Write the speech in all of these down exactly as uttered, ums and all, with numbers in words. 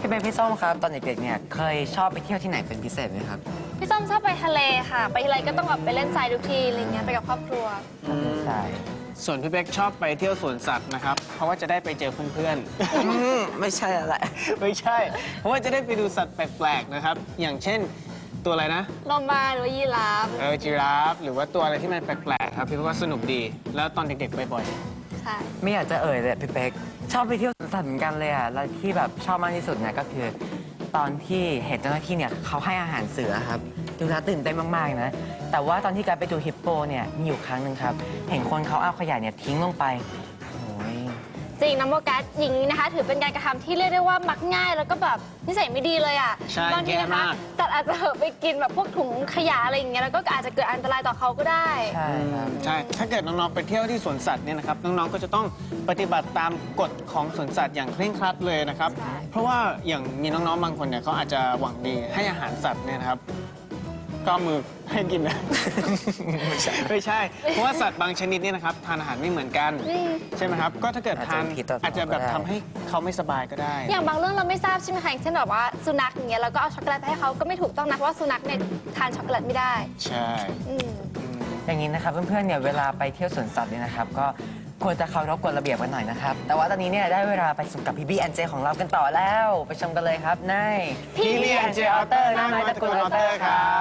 พี่เป็นพี่ส้มครับตอนเด็กๆเนี่ยเคยชอบไปเที่ยวที่ไหนเป็นพิเศษไหมครับพี่ส้มชอบไปทะเลค่ะ ไปทีไรก็ต้องแบบไปเล่นทรายทุกทีอะไรเงี้ยไปกับครอบครัวใช่ส่วนพี่เป๊กชอบไปเที่ยวสวนสัตว์นะครับ เพราะว่าจะได้ไปเจอเพื่อนๆไม่ใช่อะไรไม่ใช่ เพราะว่าจะได้ไปดูสัตว์แปลกๆนะครับ อย่างเช่นตัวอะไรนะโลมาหรือว่ายีราฟเออจีราฟหรือว่าตัวอะไรที่มันแปลกๆครับพี่ว่าสนุกดี แล้วตอนเด็กๆไปบ่อยใช่ไม่อยากจะเอ่ยเลยพี่เป๊กชอบไปเที่ยวสวนสัตว์เหมือนกันเลยอ่ะแล้วที่แบบชอบมากที่สุดเนี่ยก็คือ ตอนที่เห็นเจ้าหน้าที่เนี่ยเขาให้อาหารเสือครับดูแล้วตื่นเต้นมากๆนะแต่ว่าตอนที่การไปดูฮิปโปเนี่ยมีอยู่ครั้งหนึ่งครับเห็นคนเขาเอาขยะเนี่ยทิ้งลงไปโอ้ยจริงนะโมกัสอย่างนี้นะคะ ถือเป็นการกระทำที่เรียกได้ว่ามักง่ายแล้วก็แบบนิสัยไม่ดีเลยอ่ะใช่บางทีนะแย่คะมากสัตว์อาจจะไปกินแบบพวกถุงขยะอะไรอย่างเงี้ยแล้วก็อาจจะเกิดอันตรายต่อเขาก็ได้ใช่ครับใช่ ถ้าเกิดน้องๆไปเที่ยวที่สวนสัตว์เนี่ยนะครับ น้องๆ ก็จะต้องปฏิบัติตามกฎของสวนสัตว์อย่างเคร่งครัดเลยนะครับใช่เพราะว่าอย่างมีน้องๆ บางคนเนี่ยเขาอาจจะหวังดีให้อาหารสัตว์เนี่ยนะครับ ก็เอามือให้กินนะ ไม่ใช่ ไม่ใช่ เพราะว่าสัตว์บางชนิดเนี่ยนะครับทานอาหารไม่เหมือนกันอืมใช่ไหมครับ ก็ถ้าเกิดทานอาจจะเป็นพิษต่ออาจจะแบบก็ได้ทำให้เขาไม่สบายก็ได้อย่างบางเรื่องเราไม่ทราบใช่ไหมคะอย่างเช่นแบบว่าสุนัขอย่างเงี้ยเราก็เอาช็อกโกแลตไปให้เขาก็ไม่ถูกต้องนะเพราะว่าสุนัขเนี่ยทานช็อกโกแลตไม่ได้ใช่อืมอย่างนี้นะครับเพื่อนๆเนี่ยเวลาไปเที่ยวสวนสัตว์เนี่ยนะครับก็ควรจะเคารพกฎระเบียบกันหน่อยนะครับแต่ว่าตอนนี้เนี่ยได้เวลาไปสนุกกับพี่บี้แอนเจของเรากันต่อแล้วไปชมกันเลยครับในพี่บี้ แอนเจ Outer น้อยตระกูล Outer ครับ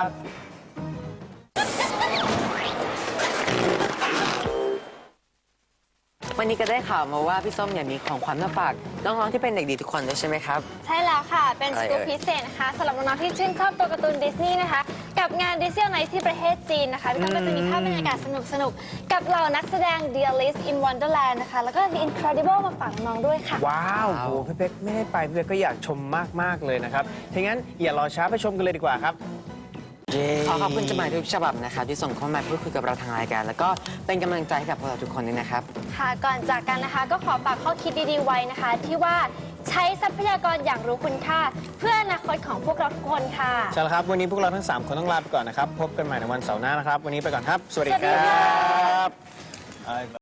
วันนี้ก็ได้ข่าวมาว่าพี่ส้มเนี่ยมีของขวัญมาฝากน้องๆที่เป็นเด็กดีทุกคนด้วยใช่ไหมครับใช่แล้วค่ะ เป็นอะไรสเอ่ยกู๊ปพิเศษนะคะสำหรับน้องๆที่ชื่นชอบตัวการ์ตูนดิสนีย์นะคะ กับงานดิสนีย์ไนท์ที่ประเทศจีนนะคะพี่ต้อมก็จะมีภาพบรรยากาศสนุกๆ กับเหล่านักแสดง The Alice in Wonderland นะคะ แล้วก็ The Incredible มาฝากน้องๆด้วยค่ะว้าวโหพี่เป๊กไม่ได้ไปพี่เป๊กก็อยากชมมาก ๆ เลยนะครับถ้างั้นอย่ารอช้าไปชมกันเลยดีกว่าครับขอขอบคุณจดหมายทุกฉบับนะครับที่ส่งเข้ามาพูดคุยกับเราทางรายการ แล้วก็เป็นกำลังใจให้กับพวกเราทุกคนด้วยนะครับค่ะก่อนจากกันนะคะก็ขอฝากข้อคิดดีๆไว้นะคะ ที่ว่าใช้ทรัพยากรอย่างรู้คุณค่า เพื่ออนาคตของพวกเราทุกคนค่ะใช่แล้วครับ วันนี้พวกเราทั้ง สาม คนต้องลาไปก่อนนะครับ พบกันใหม่ในวันเสาร์หน้านะครับ วันนี้ไปก่อนครับ สวัสดีสวัสดีคค่ะรับบ๊ายบ